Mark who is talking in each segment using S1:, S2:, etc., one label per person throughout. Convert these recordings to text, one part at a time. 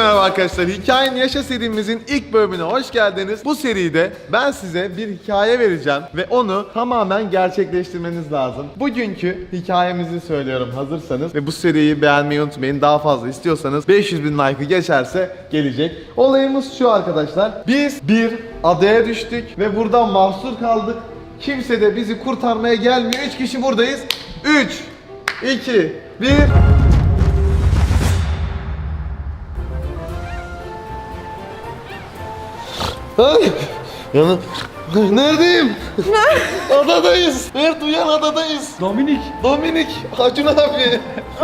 S1: merhaba arkadaşlar. Hikayenin Yaşa serimizin ilk bölümüne hoş geldiniz. Bu seride ben size bir hikaye vereceğim ve onu tamamen gerçekleştirmeniz lazım. Bugünkü hikayemizi söylüyorum hazırsanız ve bu seriyi beğenmeyi unutmayın. Daha fazla istiyorsanız 500.000 like'ı geçerse gelecek. Olayımız şu arkadaşlar. Biz bir adaya düştük ve buradan mahsur kaldık. Kimse de bizi kurtarmaya gelmiyor. 3 kişi buradayız. 3, 2, 1... Ay, yanım. Neredeyim? Adadayız. Mert uyan, adadayız. Dominik. Acun abi.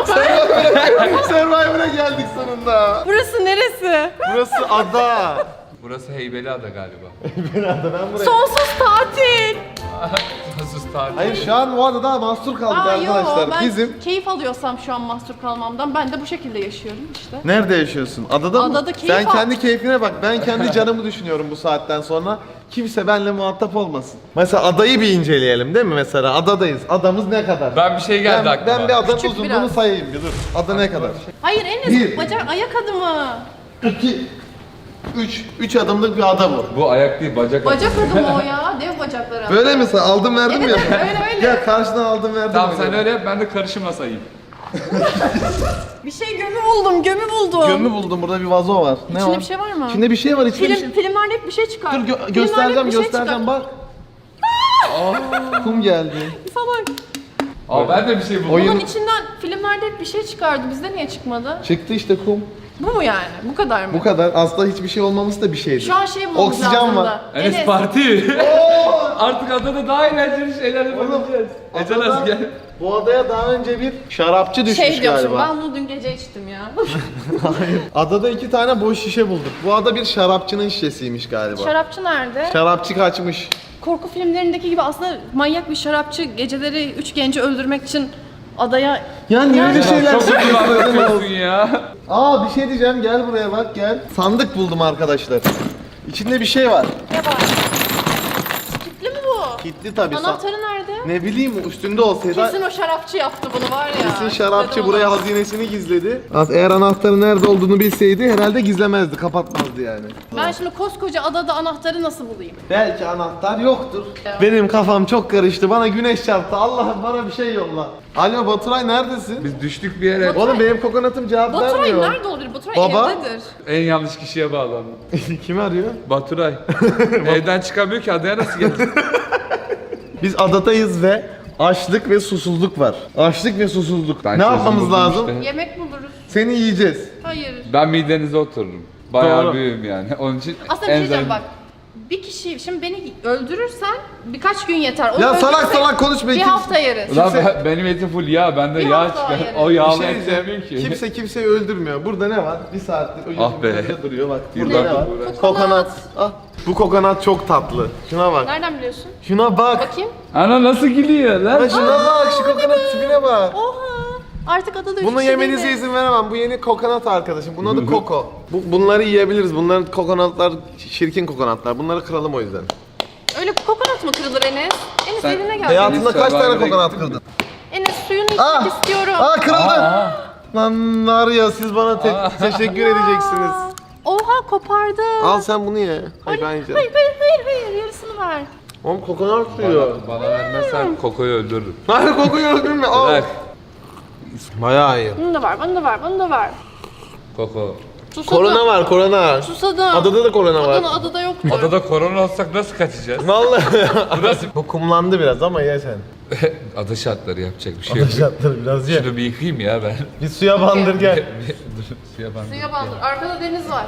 S1: Survivor'a geldik sonunda.
S2: Burası neresi?
S1: Burası ada.
S3: Burası Heybeliada galiba.
S1: Heybeliada, ben buraya.
S2: Sonsuz tatil.
S3: Sonsuz tatil.
S1: Hayır, şu an bu adada mahsur kaldık arkadaşlar.
S2: Ben
S1: Bizim...
S2: keyif alıyorsam şu an mahsur kalmamdan ben de bu şekilde yaşıyorum işte.
S1: Nerede yaşıyorsun? Adada mı?
S2: Adada keyif
S1: Sen
S2: al.
S1: kendi keyfine bak. Ben kendi canımı düşünüyorum bu saatten sonra. Kimse benimle muhatap olmasın. Mesela adayı bir inceleyelim değil mi mesela? Adadayız. Adamız ne kadar?
S3: Ben bir şey geldi aklıma.
S1: Ben bir adanın
S2: Küçük
S1: uzunluğunu
S2: biraz.
S1: sayayım bir dur. Ada ne kadar?
S2: Hayır Enes
S1: Bir.
S2: bacak ayak adımı.
S1: 2, 3 adımlık bir ada bu.
S3: Bu ayak değil, bacak.
S2: Bacak adımı o ya. Dev bacakları.
S1: Böyle mi? Aldım verdim
S2: Evet,
S1: ya.
S2: öyle.
S1: Gel karşıdan aldım verdim.
S3: Tamam
S1: ya.
S3: sen öyle yap, ben de karışıma sayayım.
S2: Bir şey gömü buldum.
S1: Gömü buldum, burada bir vazo var. Ne
S2: İçinde
S1: var?
S2: bir şey var mı?
S1: İçinde bir şey var. İçinde bir şey...
S2: Filmlerde hep bir şey çıkar.
S1: Dur
S2: Filmlerde hep
S1: göstereceğim
S2: bir şey
S1: göstereceğim
S2: çıkar.
S1: bak. Kum geldi.
S2: Salak.
S3: Aa ben de bir şey buldum.
S1: Oyun-
S2: Bunun içinden filmlerde hep bir şey çıkardı. Bizde niye çıkmadı?
S1: Çıktı işte kum.
S2: Bu mu yani? Bu kadar mı?
S1: Bu kadar. Aslında hiçbir şey olmaması da bir şeydi.
S2: Şu an şey bulmamız
S1: Oksijen
S2: lazım
S1: var.
S2: da.
S3: Enes parti. Artık adada daha eğlenceli şeyler yapabileceğiz. Ece
S1: Adada-
S3: nasıl gel?
S1: Bu adaya daha önce bir şarapçı düşmüş
S2: Şey diyorsun,
S1: galiba.
S2: ben bunu dün gece içtim ya.
S1: Hayır. Adada 2 tane boş şişe bulduk. Bu ada bir şarapçının şişesiymiş galiba.
S2: Şarapçı nerede?
S1: Şarapçı kaçmış.
S2: Korku filmlerindeki gibi aslında manyak bir şarapçı geceleri 3 genci öldürmek için adaya...
S1: Ya niye öyle şeyler
S3: Çok iyi
S1: söylüyorsun?
S3: anlatıyorsun ya.
S1: Aa, bir şey diyeceğim, gel buraya bak, gel. Sandık buldum arkadaşlar. İçinde bir şey var.
S2: Ne var? Kilitli mi bu?
S1: Kilitli tabii.
S2: Anahtarı nerede?
S1: Ne bileyim, üstünde olsaydı.
S2: Kesin o şarapçı yaptı bunu var ya.
S1: Kesin şarapçı
S2: Dedim
S1: buraya
S2: ona.
S1: hazinesini gizledi. Eğer anahtarın nerede olduğunu bilseydi herhalde gizlemezdi, kapatmazdı yani.
S2: Ben şimdi koskoca adada anahtarı nasıl bulayım?
S1: Belki anahtar yoktur.
S2: Ya.
S1: Benim kafam çok karıştı. Bana güneş çarptı. Allah'ım bana bir şey yolla. Alo Baturay, neredesin?
S3: Biz düştük bir yere.
S1: Oğlum benim kokonatım cevap
S2: Baturay
S1: vermiyor.
S2: nerede olabilir? Baturay
S1: Baba?
S2: evdedir.
S3: En yanlış kişiye bağlandım.
S1: Kim arıyor?
S3: Baturay. Evden çıkamıyor ki, adaya nasıl gelecek?
S1: Biz adadayız ve açlık ve susuzluk var. Açlık ve susuzluk.
S3: Ben
S1: Ne
S3: çözüm
S1: yapmamız
S3: buldum
S1: lazım?
S3: işte.
S2: Yemek buluruz.
S1: Seni yiyeceğiz.
S2: Hayır.
S3: Ben midenize otururum. Bayağı
S1: Doğru.
S3: büyüğüm yani. Onun için
S2: Aslında bir şey diyeceğim
S3: enzim-
S2: bak. Bir kişi, şimdi beni öldürürsen birkaç gün yeter. Onu
S1: Ya salak
S2: öldürürsek
S1: salak konuşma.
S2: Bir hafta yeriz.
S3: Ulan benim etim full yağ, bende
S2: Bir
S3: yağ
S2: hafta
S3: çıkar.
S2: yerim.
S3: O
S1: Bir
S3: yağlı
S1: şey
S3: et
S1: diyeceğim.
S3: sevmiyorum ki.
S1: Kimse kimseyi öldürmüyor. Burada ne var? Bir saattir
S3: Ah be.
S1: önünde duruyor bak.
S3: Yürü
S1: Burada
S3: bak,
S1: ne var?
S3: uğraş.
S1: Kokonat. Ah. Bu kokonat çok tatlı. Şuna bak.
S2: Nereden biliyorsun?
S1: Şuna bak.
S2: Bakayım.
S3: Ana nasıl gülüyor lan?
S1: Ha, şuna bak. Şu kokonat tipine bak.
S2: Oha. Artık adada üç
S1: Bunu
S2: kişi
S1: yemenize
S2: değiliz.
S1: izin veremem. Bu yeni kokonat arkadaşım. Bunun adı Koko. Bunları yiyebiliriz. Bunların kokonatlar şirkin kokonatlar. Bunları kıralım o yüzden.
S2: Öyle kokonat mı kırılır Enes? Enes
S3: Sen-
S2: eline gel.
S1: Hayatında kaç tane
S3: Survivor'a
S1: kokonat
S3: gittin mi?
S1: kırdın?
S2: Enes suyunu içmek
S1: Aa!
S2: istiyorum.
S1: Aa, kırıldı.
S3: Aa.
S1: Lan var ya, siz bana teşekkür edeceksiniz.
S2: Oha kopardı.
S1: Al sen bunu ye. Hayır ben yiyeceğim.
S2: Hayır yarısını ver.
S1: Oğlum kokonat suyu.
S3: Bana vermezsen Koko'yu öldürürüm.
S1: Hayır, kokuyu öldürme. Al.
S3: Bırak.
S1: Bayağı iyi.
S2: Bunu da ver, bunu da ver.
S3: Koko.
S2: Susadım.
S1: Korona var, korona.
S2: Susadım.
S1: Adada da korona var.
S2: Adada yoktur.
S3: Adada korona olsak nasıl kaçacağız?
S1: Vallahi. Bu kumlandı biraz ama ye sen.
S3: Ada şartları yapacak bir şey yok.
S1: Şartları biraz ye.
S3: Şunu bir yıkayayım ya ben.
S1: Bir suya bandır gel.
S3: Dur, suya bandır.
S2: Suya bandır. Arkada deniz var.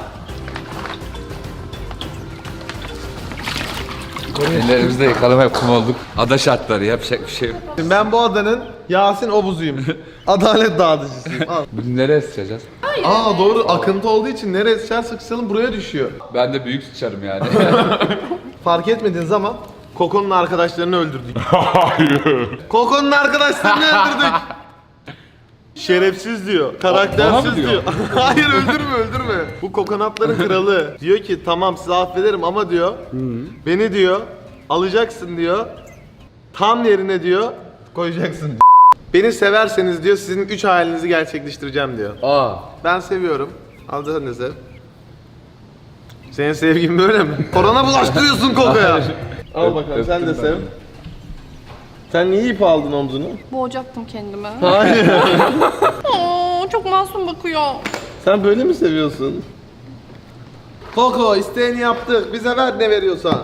S3: Ellerimizde yıkalım, hep kum olduk. Ada şartları yapacak bir şey yok.
S1: Ben bu adanın Yasin Obuzuyum. Adalet dağıtıcısıyım. Al.
S3: Bunu nereye sıçacağız?
S1: Aa doğru, akıntı olduğu için nereye sıçar sıçralım buraya düşüyor.
S3: Ben de büyük sıçarım yani.
S1: Fark etmediniz ama Koko'nun arkadaşlarını öldürdük. Hayır. Koko'nun arkadaşlarını öldürdük. Şerefsiz diyor,
S3: Bana
S1: karaktersiz
S3: mı diyor?
S1: diyor. Hayır, öldürme. Bu kokonatların kralı. Diyor ki tamam sizi affederim ama diyor beni diyor alacaksın diyor. Tam yerine diyor koyacaksın. Beni severseniz diyor sizin 3 hayalinizi gerçekleştireceğim diyor.
S3: Aa.
S1: Ben seviyorum. Al da sen de sev. Senin sevgin böyle mi? Korona bulaştırıyorsun Koko'ya. Al bakalım sen de sev. Sen niye ip aldın omzunu?
S2: Boğacaktım kendimi.
S1: Hayır.
S2: Oo, çok masum bakıyor.
S1: Sen böyle mi seviyorsun? Koko isteğini yaptık. Bize ver ne veriyorsan.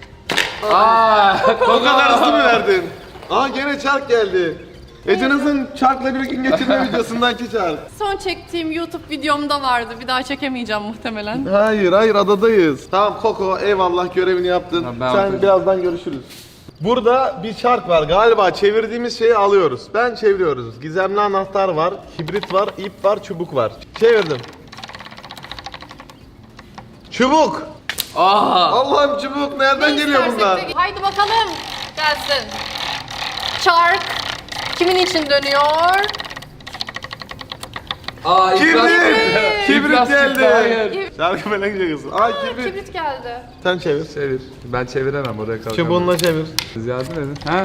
S1: O kadar hızlı mı verdin? Aa gene çark geldi. Ece Naz'ın çarkla bir gün geçirme videosundaki çark.
S2: Son çektiğim YouTube videomda vardı. Bir daha çekemeyeceğim muhtemelen.
S1: Hayır adadayız. Tamam Koko eyvallah görevini yaptın.
S3: Tamam, ben
S1: Sen
S3: yapacağım.
S1: birazdan görüşürüz. Burada bir çark var galiba çevirdiğimiz şeyi alıyoruz. Ben çeviriyoruz. Gizemli anahtar var, kibrit var, ip var, çubuk var. Çevirdim. Çubuk! Allah'ım çubuk nereden geliyor bunlar?
S2: Haydi bakalım. Gelsin. Çark. Kimin için dönüyor?
S1: Kibrit! Kibrit
S3: İflas çıktı,
S1: geldi.
S3: hayır.
S1: Şarkı böyle gidiyorsun. Aa kibrit.
S2: Kibrit geldi.
S1: Sen çevir.
S3: Çevir. Ben çeviremem oraya kalkamam.
S1: Çubuğunla çevir.
S3: Siz yardım edin. Ha?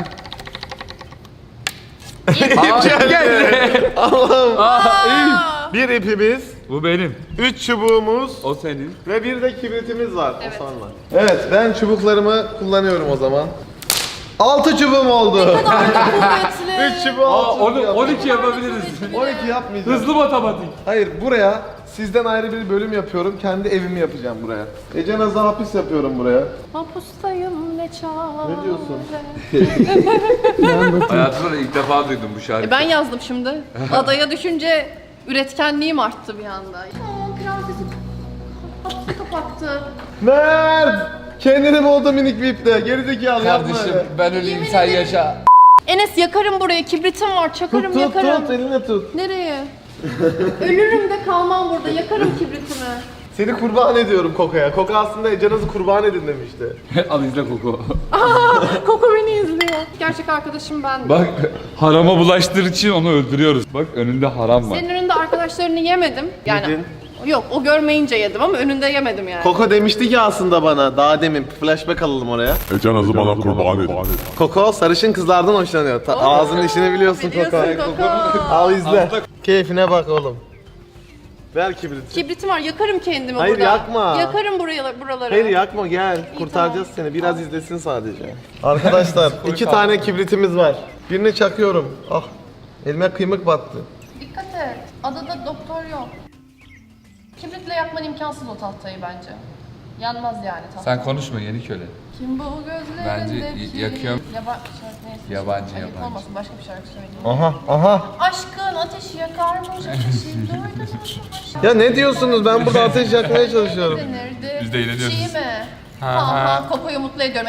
S1: İp geldi. Allah'ım.
S2: Aa,
S1: Bir ipimiz,
S3: Bu benim.
S1: 3 çubuğumuz
S3: O senin.
S1: ve bir de kibritimiz var.
S2: Evet.
S1: O sonra. Evet ben çubuklarımı kullanıyorum o zaman. 6 çubuğum oldu.
S2: kuvvetli.
S1: 3 çubuğu 6 çubuk
S3: 12 yapabiliriz.
S1: 12 yapmayacağım.
S3: Hızlı matematik.
S1: Hayır buraya sizden ayrı bir bölüm yapıyorum. Kendi evimi yapacağım buraya. Ece Naz'a hapis yapıyorum buraya.
S2: Mapustayım ne çare.
S1: Ne diyorsun?
S3: Hayatımda da ilk defa duydum bu şarkıyı.
S2: Ben yazdım şimdi. Adaya düşünce üretkenliğim arttı bir anda. Aa, prensesim hapsi kapattı.
S1: Mert! Kendini buldu minik bir iple. Gerizekalı yapma
S3: Kardeşim
S1: öyle.
S3: ben öleyim
S2: Yemin
S3: sen
S2: ederim.
S3: yaşa.
S2: Enes yakarım burayı. Kibritim var. Çakarım
S1: Tut
S2: yakarım.
S1: eline tut.
S2: Nereye? Ölürüm de kalmam burada. Yakarım kibritimi.
S1: Seni kurban ediyorum Koko'ya. Koko aslında Ece Naz'ı kurban edin demişti.
S3: Al izle koku.
S2: Koko beni izliyor. Gerçek arkadaşım ben.
S3: Bak harama bulaştırır için onu öldürüyoruz. Bak önünde haram var.
S2: Senin önünde arkadaşlarını yemedim. Yani
S1: Yedin.
S2: yok o görmeyince yedim ama önünde yemedim yani.
S1: Koko demişti ki aslında bana daha demin flashback alalım oraya.
S4: Ece Naz'ı bana kurban edin.
S1: Koko sarışın kızlardan hoşlanıyor. Ağzının işini biliyorsun Koko.
S2: Biliyorsun Koko.
S1: Al izle. Keyfine bak oğlum. Ver kibriti.
S2: Kibritim var. Yakarım kendimi
S1: Hayır,
S2: burada.
S1: yakma.
S2: Yakarım buraları.
S1: Hayır yakma gel. Kurtaracağız seni. Biraz izlesin sadece. Arkadaşlar 2 tane kibritimiz var. Birini çakıyorum. Ah elime kıymık battı.
S2: Dikkat et. Adada doktor yok. Kibritle yakman imkansız o tahtayı bence. Yanmaz yani tahta.
S3: Sen konuşma yeni köle.
S2: Kim bu gözlerindeki?
S3: Bence yakıyorum.
S2: Neyse.
S3: Yabancı,
S2: Ayıp
S3: yabancı.
S2: olmasın başka bir şarkı söyleyeyim.
S1: Aha.
S2: Aşkın ateşi yakarmış ateşi duydun mu?
S1: Ya ne diyorsunuz? Ben burada ateş yakmaya çalışıyorum.
S2: Denirdi.
S3: Biz de eğleniyoruz.
S2: Şey mi?
S3: Ha,
S2: Ha
S3: ha.
S2: ha Koko'yu mutlu ediyorum.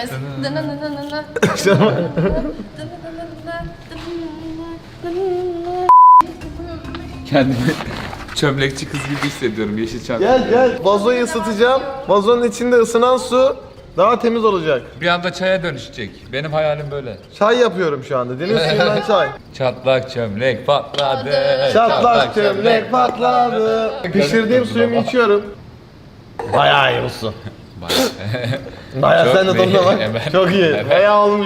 S3: Kendimi çömlekçi kız gibi hissediyorum Yeşilçam.
S1: Gel. Vazoyu ısıtacağım. Vazonun içinde ısınan su daha temiz olacak.
S3: Bir anda çaya dönüşecek. Benim hayalim böyle.
S1: Çay yapıyorum şu anda. Deniz suyundan çay.
S3: Çatlak çömlek patladı.
S1: Çatlak çömlek patladı. Pişirdiğim suyumu içiyorum. Bayağı iyi olsun. Bayağı
S3: Çok
S1: sen de tadına bak.
S3: iyi.
S1: Çok iyi.
S3: Evet.
S1: Bayağı olmuş.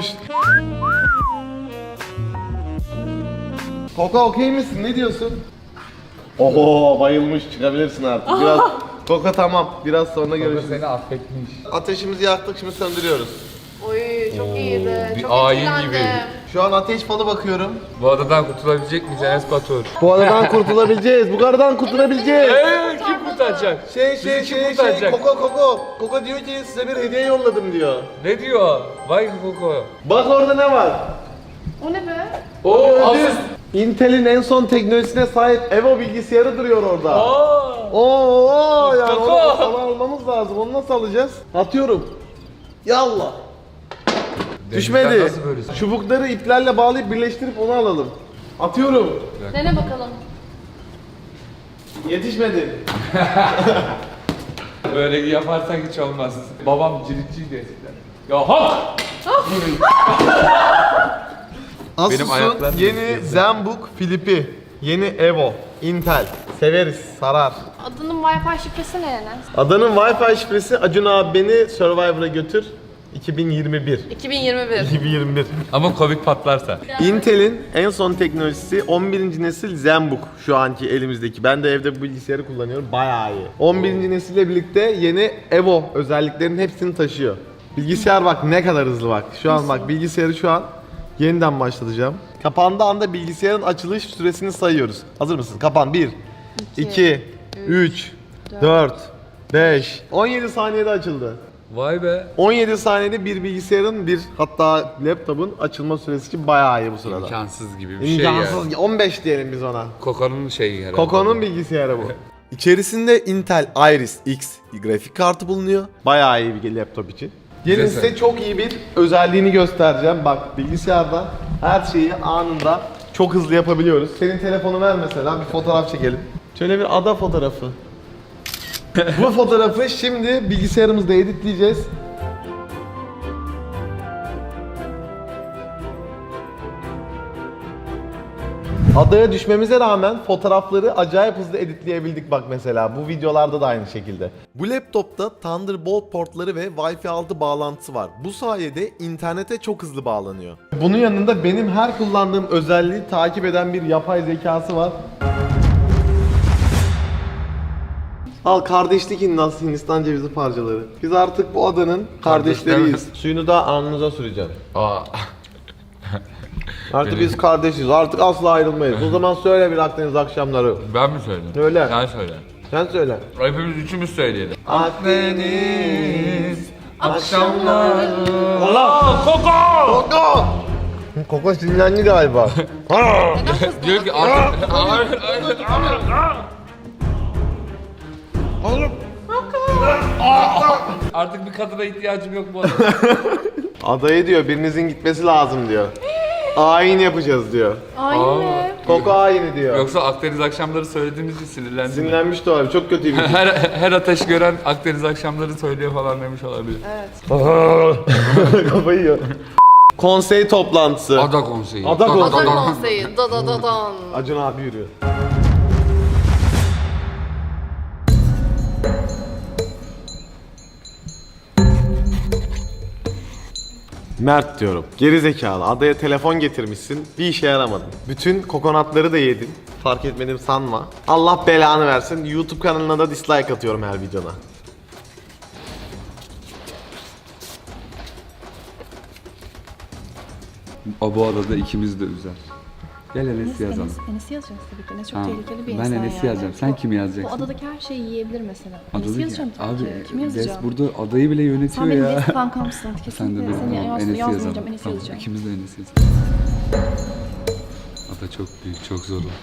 S1: Koko okey misin? Ne diyorsun? Oho bayılmış. Çıkabilirsin artık. Biraz Koko tamam. Biraz sonra görüşürüz.
S3: Seni affetmiş.
S1: Ateşimizi yaktık şimdi söndürüyoruz.
S2: Oy çok iyiydi.
S3: bir
S2: Çok
S3: ayin
S2: etkilendim.
S3: gibi.
S1: Şu an ateş falı bakıyorum.
S3: Bu adadan kurtulabilecek miyiz Enes Batur?
S1: Bu aradan kurtulabileceğiz. Bu kardan kurtulabileceğiz.
S3: Kim kurtaracak?
S1: Şey
S3: kim kurtaracak?
S1: Koko diyor ki size bir hediye yolladım diyor.
S3: Ne diyor? Vay Koko.
S1: Bak orada ne var?
S2: O ne be?
S3: Oo
S1: Gördün. Intel'in en son teknolojisine sahip Evo bilgisayarı duruyor orada.
S3: Aa.
S1: Oo yani
S3: Koko.
S1: onu almamız lazım. Onu nasıl alacağız? Atıyorum. Yallah. Düşmedi.
S3: Nasıl böylesin?
S1: Çubukları iplerle bağlayıp birleştirip onu alalım. Atıyorum.
S2: Dene bakalım.
S1: Yetişmedi.
S3: Böyle yaparsak hiç olmaz. Babam ciritçiydi eskiden. Ya hop!
S1: Asus'un
S3: ayaklarım
S1: yeni
S3: yetiyor.
S1: ZenBook Flip'i. Yeni Evo. Intel. Severiz. Sarar.
S2: Adının Wi-Fi şifresi ne Enes?
S1: Adanın Wi-Fi şifresi Acun abi beni Survivor'a götür. 2021.
S2: 2021.
S1: 2021.
S3: Ama Covid patlarsa.
S1: Intel'in en son teknolojisi 11. nesil ZenBook şu anki elimizdeki. Ben de evde bu bilgisayarı kullanıyorum. Bayağı iyi. 11. nesille birlikte yeni Evo özelliklerinin hepsini taşıyor. Bilgisayar bak ne kadar hızlı bak. Şu an bak bilgisayarı şu an yeniden başlatacağım. Kapandığı anda bilgisayarın açılış süresini sayıyoruz. Hazır mısın? Kapan. 1, 2, 3, 4, 5. 17 saniyede açıldı.
S3: Vay be.
S1: 17 saniyede bir bilgisayarın hatta laptopun açılma süresi için bayağı iyi bu sırada.
S3: İmkansız gibi bir şey ya.
S1: İmkansız. 15 diyelim biz ona.
S3: Koko'nun şeyi herhalde.
S1: Koko'nun bilgisayarı bu. İçerisinde Intel Iris X grafik kartı bulunuyor. Bayağı iyi bir laptop için. Gelin
S3: Güzel.
S1: size çok iyi bir özelliğini göstereceğim. Bak bilgisayarda her şeyi anında çok hızlı yapabiliyoruz. Senin telefonu ver mesela bir fotoğraf çekelim. Şöyle bir ada fotoğrafı. Bu fotoğrafı şimdi bilgisayarımızda editleyeceğiz. Adaya düşmemize rağmen fotoğrafları acayip hızlı editleyebildik bak mesela. Bu videolarda da aynı şekilde. Bu laptopta Thunderbolt portları ve Wi-Fi 6 bağlantısı var. Bu sayede internete çok hızlı bağlanıyor. Bunun yanında benim her kullandığım özelliği takip eden bir yapay zekası var. Al kardeşlik Hindistan cevizi parçaları. Biz artık bu adanın kardeşleriyiz. Suyunu da alnınıza süreceğim.
S3: Aa.
S1: Artık biz kardeşiz. Artık asla ayrılmayız. O zaman söyle bir Akdeniz akşamları.
S3: Ben mi söyleyeyim?
S1: Söyle.
S3: Sen söyle.
S1: Sen söyle.
S3: Hepimiz üçümüz söyleyelim.
S1: Akdeniz
S3: akşamları.
S1: Allah! Koko! Koko sinirlendi galiba.
S3: Diyor ki artık... Artık bir kadına ihtiyacım yok bu arada.
S1: Adayı diyor birinizin gitmesi lazım diyor. Ayin yapacağız diyor.
S2: Aynı.
S1: Koko ayini diyor.
S3: Yoksa Akdeniz akşamları söylediğimiz için sinirlendim.
S1: Sinirlenmişti o abi. Çok kötüymüş.
S3: Her ateş gören Akdeniz akşamları söylüyor falan demiş olabilir.
S2: Evet.
S1: Kafayı yiyor. Konsey toplantısı.
S3: Ada konseyi.
S1: Ada konseyi.
S2: Ada konseyi. Da da da dan.
S1: Acun abi yürüyor. Mert diyorum. Geri zekalı. Adaya telefon getirmişsin. Bir işe yaramadın. Bütün kokonatları da yedin. Fark etmedim sanma. Allah belanı versin. YouTube kanalına da dislike atıyorum her videona.
S3: Bu adada ikimiz de üzer. Gel Enes'i yazalım.
S2: Enes'i yazacağız tabii ki. Enes çok
S3: Tamam.
S2: tehlikeli bir
S3: Ben
S2: insan
S3: Enes'i
S2: yani.
S3: yazacağım. Sen kimi yazacaksın?
S2: Bu adadaki her şeyi yiyebilir mesela. Enes'i
S3: Adadaki-
S2: yazacağım tabii ki. Kimi
S3: Des
S2: yazacağım?
S3: burada adayı bile yönetiyor
S2: Sen benim
S3: ya.
S2: best kankamsın.
S3: Sen de
S2: Kesinlikle
S3: benim.
S2: seni
S3: Tamam,
S2: yazmayacağım.
S3: yazalım.
S2: Enes'i
S3: Tamam,
S2: yazacağım.
S3: İkimiz de Enes'i yazalım. Ada çok büyük, çok zor oldu.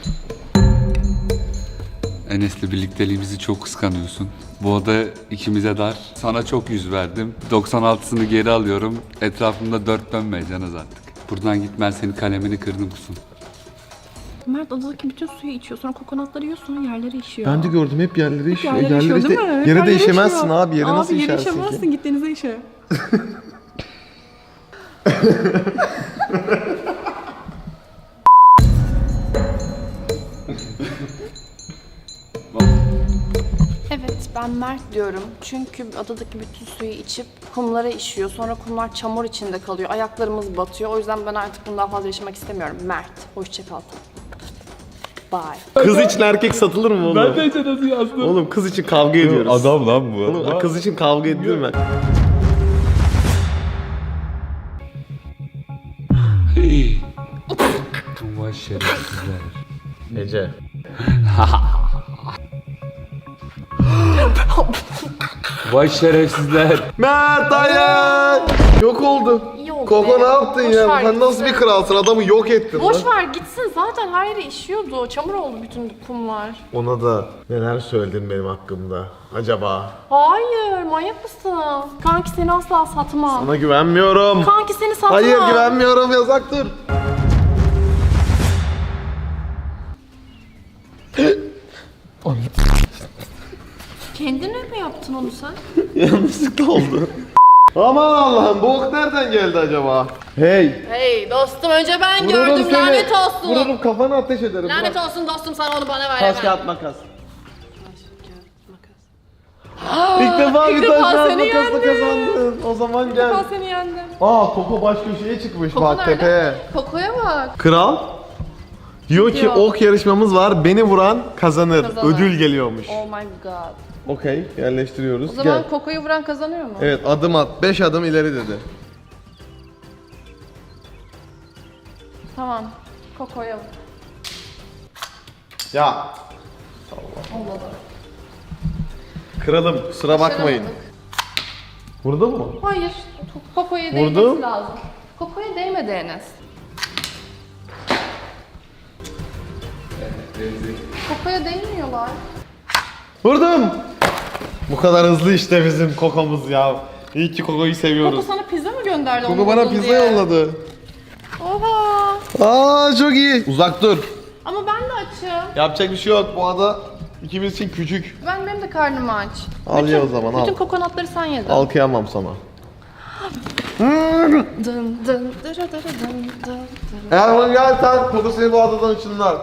S3: Enes'le birlikteliğimizi çok kıskanıyorsun. Bu ada ikimize dar. Sana çok yüz verdim. 96'sını geri alıyorum. Etrafımda dört dönmeyeceğiniz artık. Buradan git, ben senin kalemini kırdım kusun.
S2: Mert adadaki bütün suyu içiyor. Sonra kokonatları yiyor. Sonra yerlere işiyor.
S1: Ben de gördüm hep yerlere işiyor.
S2: Yerlere işiyor değil mi?
S1: Yere
S2: Yerlere
S1: de işemezsin
S2: işiyor.
S1: abi. Yere nasıl
S2: Abi yere
S1: işersin
S2: işemezsin.
S1: ki?
S2: Git denize işe. Evet, ben Mert diyorum. Çünkü adadaki bütün suyu içip kumlara işiyor. Sonra kumlar çamur içinde kalıyor. Ayaklarımız batıyor. O yüzden ben artık bundan fazla yaşamak istemiyorum. Mert, hoşça kal. Bye.
S1: Kız için erkek satılır mı oğlum?
S3: Ben de hiç nasıl yazdım?
S1: Oğlum kız için kavga ediyoruz.
S3: Adam lan bu.
S1: Oğlum kız için kavga edilir mi?
S3: Vay şerefsizler.
S1: Ece.
S3: Vay şerefsizler.
S1: Mert hayır. Yok oldu.
S2: Yok
S1: Koko
S2: be.
S1: ne yaptın
S2: Boş
S1: ya?
S2: ver
S1: Sen nasıl bir
S2: gitsin.
S1: kralsın? Adamı yok ettin
S2: Boş
S1: lan.
S2: ver gitsin. Zaten her yere işiyordu. Çamur oldu bütün kumlar.
S1: Ona da neler söyledin benim hakkımda acaba?
S2: Hayır, manyak mısın? Kanki seni asla satmam.
S1: Sana güvenmiyorum.
S2: Kanki seni satmam.
S1: Hayır güvenmiyorum yasaktır.
S2: Kendine mi yaptın onu sen?
S1: Yanlışlıkla oldu. Aman Allah'ım bu ok nereden geldi acaba? Hey.
S2: Hey dostum önce ben
S1: Vururum
S2: gördüm
S1: seni.
S2: lanet olsun.
S1: Vururum kafana ateş ederim.
S2: Lanet
S1: Bırak.
S2: olsun dostum sana onu bana ver
S1: Taş
S2: hemen.
S1: kağıt makas.
S2: Taş, kağıt, makas.
S1: İlk defa
S2: İlk
S1: bir
S2: defa
S1: taş kağıt
S2: seni
S1: makasla
S2: yendim.
S1: kazandın. O zaman
S2: İlk
S1: gel.
S2: defa seni yendim.
S1: Koko baş köşeye çıkmış
S2: Koko
S1: bak
S2: nerede?
S1: tepeye.
S2: Koko'ya bak.
S1: Kral diyor ki
S2: Diyor.
S1: ok yarışmamız var. Beni vuran kazanır.
S2: Kazanır.
S1: Ödül geliyormuş.
S2: Oh my god.
S1: Okey, yerleştiriyoruz.
S2: O zaman
S1: Gel.
S2: Koko'yu vuran kazanıyor mu?
S1: Evet, adım at. 5 adım ileri dedi.
S2: Tamam. Koko'ya vur.
S1: Ya
S2: Olmadı.
S1: kralım kusura bakmayın.
S2: Başaramadık.
S1: Vurdu mu?
S2: Hayır. Koko'ya
S1: Vurdu.
S2: değmesi lazım. Koko'ya değmedi Enes. Koko'ya değmiyorlar.
S1: Vurdum. Bu kadar hızlı işte bizim kokomuz ya. İyi ki kokoyu
S2: Koko
S1: seviyoruz.
S2: sana pizza mı gönderdi?
S1: Koko
S2: onu
S1: bana
S2: buldun
S1: pizza
S2: diye?
S1: yolladı.
S2: Oha.
S1: Çok iyi. Uzak dur.
S2: Ama ben de açım.
S1: Yapacak bir şey yok. Bu ada ikimiz için küçük.
S2: Benim de karnım aç.
S1: Al ye o zaman, al.
S2: Bütün kokonatları sen yedin.
S1: Al kıyamam sana.
S2: Dın dın dırı dırı dın dın.
S1: Eğer bana gelsen Koko seni bu adadan ışınlar.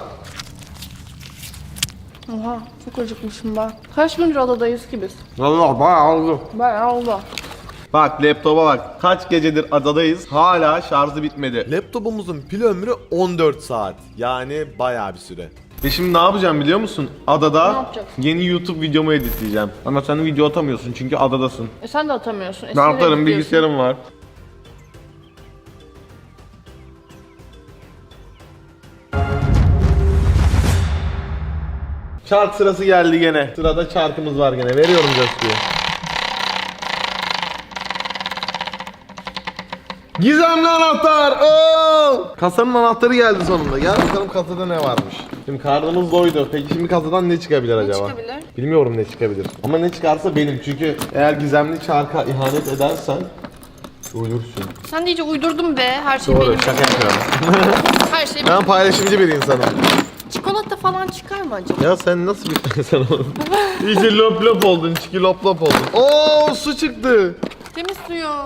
S2: Oha çok acıkmışım ben. Kaç gündür adadayız ki biz?
S1: Valla bayağı oldu.
S2: Bayağı oldu.
S1: Bak laptopa bak. Kaç gecedir adadayız. Hala şarjı bitmedi. Laptopumuzun pil ömrü 14 saat. Yani bayağı bir süre. Ve şimdi ne yapacağım biliyor musun?
S2: Ne
S1: Adada
S2: yapacaksın?
S1: yeni YouTube videomu editleyeceğim. Ama sen video atamıyorsun çünkü adadasın.
S2: Sen de atamıyorsun.
S1: Ne yaparım, bilgisayarım var. Çark sırası geldi gene. Sırada çarkımız var gene. Veriyorum coşkuyu. Gizemli anahtar! Oo! Kasanın anahtarı geldi sonunda. Gel bakalım kasada ne varmış. Şimdi karnımız doydu. Peki şimdi kasadan ne çıkabilir acaba?
S2: çıkabilir?
S1: Bilmiyorum ne çıkabilir. Ama ne çıkarsa benim. Çünkü eğer gizemli çarka ihanet edersen ölürsün.
S2: Sen de iyice uydurdun be. Her şey
S1: Doğru,
S2: benim.
S1: şaka yapıyorum.
S2: Her şey benim.
S1: Ben paylaşımcı bir insanım.
S2: Çikolata falan çıkar mı acaba?
S1: Ya sen nasıl bir insan oldun? İyice lop lop oldun, çiki lop lop oldun. Oo, su çıktı.
S2: Temiz suyum.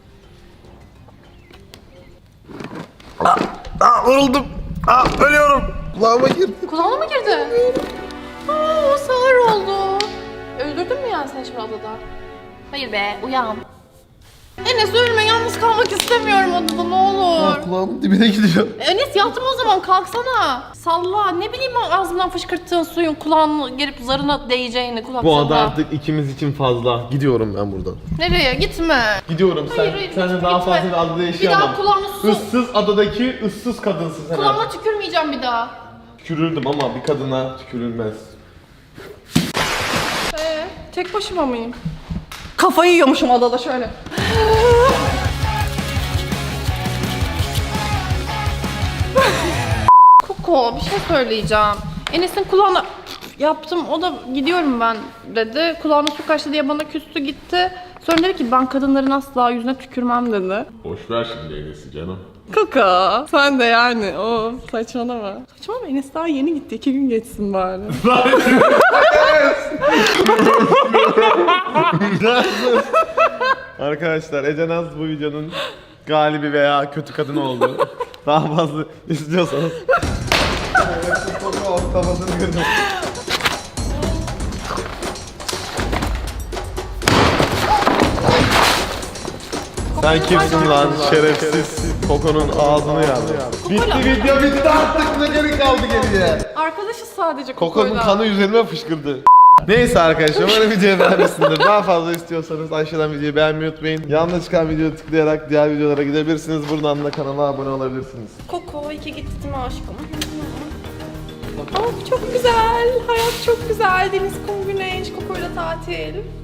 S1: Vuruldum. Ölüyorum. Kulağıma girdi.
S2: Kulağına mı girdi? O sağır oldu. Öldürdün mü yani sen şimdi adada? Hayır be, uyan. Enes ölme, yalnız kalmak istemiyorum adada, ne olur.
S1: Kulağımın dibine gidiyor.
S2: Enes yattım o zaman, kalksana. Salla, ne bileyim ağzımdan fışkırttığın suyun kulağına gelip zarına değeceğini, kulak
S1: Bu ada
S2: salla.
S1: artık ikimiz için fazla. Gidiyorum ben buradan.
S2: Nereye? Gitme.
S1: Gidiyorum.
S2: Hayır,
S1: Sen
S2: gitme,
S1: daha
S2: gitme.
S1: fazla bir adada
S2: Bir
S1: yaşayamam.
S2: daha kulağına su.
S1: Issız adadaki ıssız kadınsın sen.
S2: Kulağıma
S1: artık.
S2: tükürmeyeceğim bir daha.
S1: Tükürürdüm ama bir kadına tükürülmez.
S2: Tek başıma mıyım? Kafayı yiyormuşum adada şöyle. Koko, bir şey söyleyeceğim. Enes'in kulağına yaptım, o da gidiyorum ben dedi. Kulağına su kaçtı diye bana küstü gitti. Sonra dedi ki ben kadınların asla yüzüne tükürmem dedi.
S1: Boş ver şimdi Enes'i canım.
S2: Koko, sen de yani o saçmalama. Saçmalama, Enes daha yeni gitti, 2 gün geçsin bari.
S1: Arkadaşlar Ece Naz bu videonun galibi veya kötü kadın oldu. Daha fazla istiyorsanız. Kafasını kırdım. Sen kimsin lan şerefsiz? Koko'nun ağzını yardı. Bitti video bitti artık, ne geri kaldı geriye?
S2: Arkadaşız sadece
S1: Koko'nun
S2: Koko'yla.
S1: kanı üzerime fışkırdı. Neyse arkadaşlar, umarım videoyu beğenmişsinizdir. Daha fazla istiyorsanız aşağıdan videoyu beğenmeyi unutmayın. Yanına çıkan videoyu tıklayarak diğer videolara gidebilirsiniz. Buradan da kanala abone olabilirsiniz.
S2: Koko, iki gitti değil mi aşkım? Oh, çok güzel. Hayat çok güzel. Deniz, kum, güneş, Koko'yla tatil.